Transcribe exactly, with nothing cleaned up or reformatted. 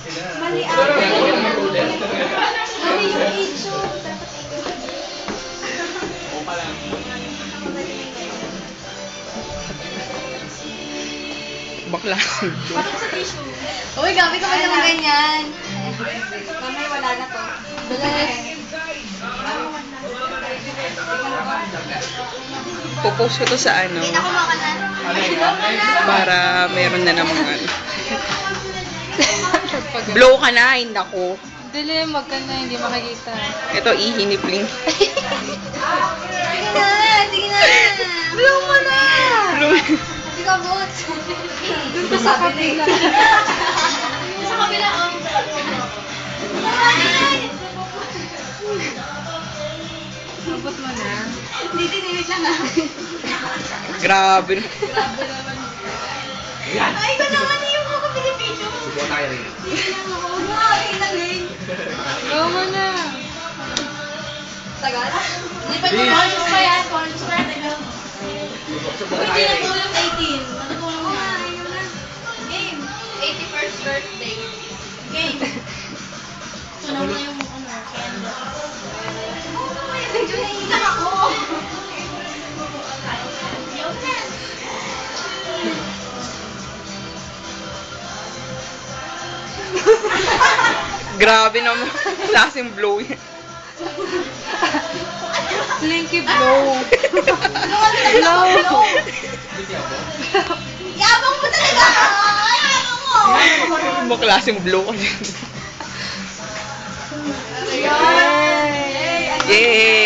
Mali ako. Mali yung age yun. O pa lang. Bakla. Patok sa tissue. Uy, gabi ka ba naman ganyan? Mamay wala na to. Bilis. Pupost ko to sa ano, Kita ko maka na. para meron na namang ano. Blow ka na, hindi ako. Dili, wag ka na, hindi makikita. Ito, ihinipling. Sige na, sige na. Blow mo na. Blow. Hindi ka bot. Doon ka sa kabila. Sa kabila, oh. Abot mo na. Hindi, tinimit lang ah. Grabe. Ay, ko naman yung mga Pilipino. Subukan tayo rin. Hindi lang ako. Huwag mo nga italin. Blow mo na. Tagal? Hindi pa yung conscious pa yan. Conscious pa yan. Tagal. Subukan Uy, tayo rin. tinatulong eighteen. Matutulong na. Game. eighty-first birthday. Game. Sunaw na yung ano, candle. Oh, medyo naiiyak ako. Grabe naman. Klaseng blow yan. Slinky blow. Blow. Yabang mo talaga! Yabang mo! Ano ba klaseng blow ka din? Yay! Yay!